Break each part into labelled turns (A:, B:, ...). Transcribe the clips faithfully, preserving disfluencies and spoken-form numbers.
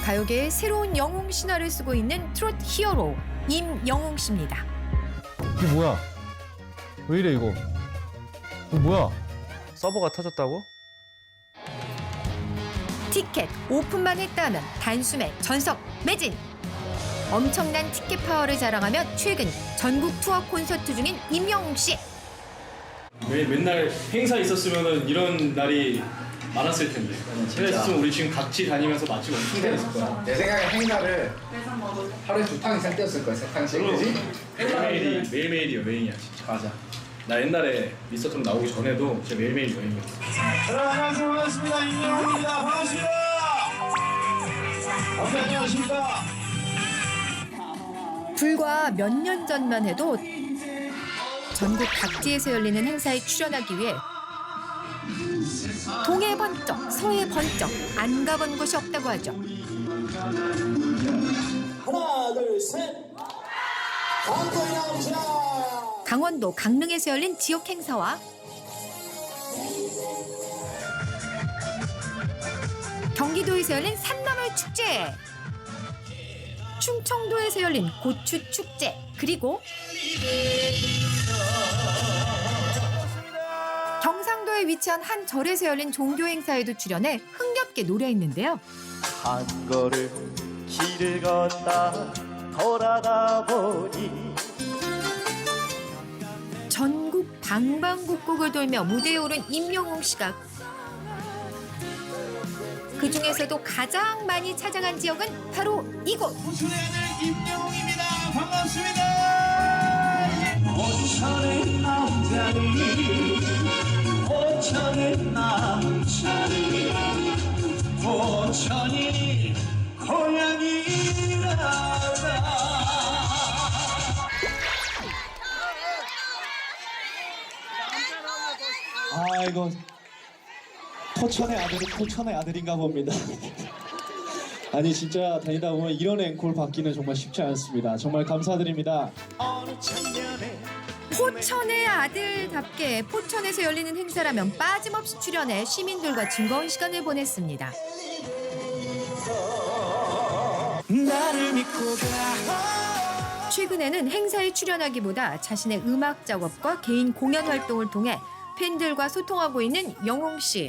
A: 가요계의 새로운 영웅 신화를 쓰고 있는 트롯 히어로 임영웅 씨입니다.
B: 이게 뭐야? 왜 이래 이거? 이거 뭐야?
C: 서버가 터졌다고?
A: 티켓 오픈만 했다 하면 단숨에 전석 매진. 엄청난 티켓 파워를 자랑하며 최근 전국 투어 콘서트 중인 임영웅 씨.
D: 매, 맨날 행사 있었으면 이런 날이 많았을 텐데. 행사 있었으면 우리 지금 각지 다니면서 맛집 엄청 다녔을 거야.
E: 내 생각에 행사를 하루에 두 탕 이상 뛰었을 거야, 세 탕씩, 그지?
D: 매일매일이 매일매일이 여행이야 진짜. 맞아. 나 옛날에 미스터 트롯 나오기 전에도 진짜 매일매일 여행이었어.
F: 여러분 안녕하세요. 반갑습니다. 임영웅입니다. 반갑습니다. 어떻게 안녕하십니까?
A: 불과 몇 년 전만 해도 전국 각지에서 열리는 행사에 출연하기 위해 동해 번쩍, 서해 번쩍 안 가본 곳이 없다고 하죠.
F: 하나, 둘, 셋. 강도에 나옵시다.
A: 강원도 강릉에서 열린 지역 행사와 경기도에서 열린 산나물 축제, 충청도에서 열린 고추 축제, 그리고 경상도에 위치한 한 절에서 열린 종교 행사에도 출연해 흥겹게 노래했는데요.
G: 한 걸음 길을 걷다 돌아가 보니
A: 전국 방방곡곡을 돌며 무대에 오른 임영웅 씨가 그 중에서도 가장 많이 찾아간 지역은 바로 이곳.
F: 호순의 아들 임영웅입니다. 반갑습니다. 오천의 남자니 오천의 남자니 오천이 고향이라다.
H: 아 이거 포천의 아들은 포천의 아들인가 봅니다. 아니 진짜 다니다 보면 이런 앵콜 받기는 정말 쉽지 않습니다. 정말 감사드립니다.
A: 포천의 아들답게 포천에서 열리는 행사라면 빠짐없이 출연해 시민들과 즐거운 시간을 보냈습니다.
H: 나를 믿고 가.
A: 최근에는 행사에 출연하기보다 자신의 음악 작업과 개인 공연 활동을 통해 팬들과 소통하고 있는 영웅 씨.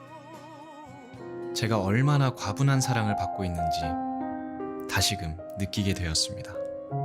I: 제가 얼마나 과분한 사랑을 받고 있는지 다시금 느끼게 되었습니다.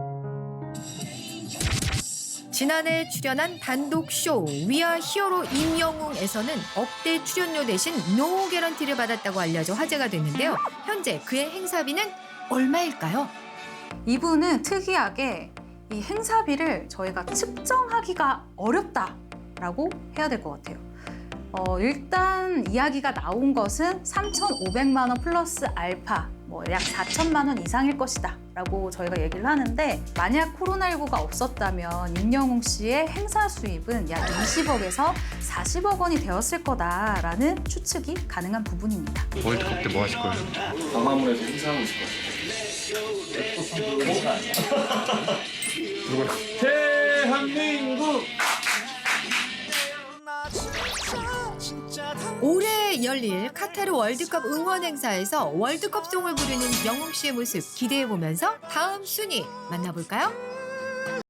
A: 지난해 출연한 단독 쇼 위아 히어로 임영웅에서는 억대 출연료 대신 노 개런티를 받았다고 알려져 화제가 됐는데요. 현재 그의 행사비는 얼마일까요?
J: 이분은 특이하게 이 행사비를 저희가 측정하기가 어렵다라고 해야 될 것 같아요. 어, 일단 이야기가 나온 것은 삼천오백만 원 플러스 알파, 뭐 약 사천만 원 이상일 것이다 라고 저희가 얘기를 하는데, 만약 코로나십구가 없었다면 임영웅 씨의 행사 수입은 약 이십억에서 사십억 원이 되었을 거다라는 추측이 가능한 부분입니다.
C: 월드컵 때 뭐 하실 거예요?
D: 광화문에서 행사하고 있을 것 같아. 누구야? 대한민국.
A: 올해 열릴 카타르 월드컵 응원 행사에서 월드컵송을 부르는 영웅 씨의 모습 기대해 보면서 다음 순위 만나볼까요?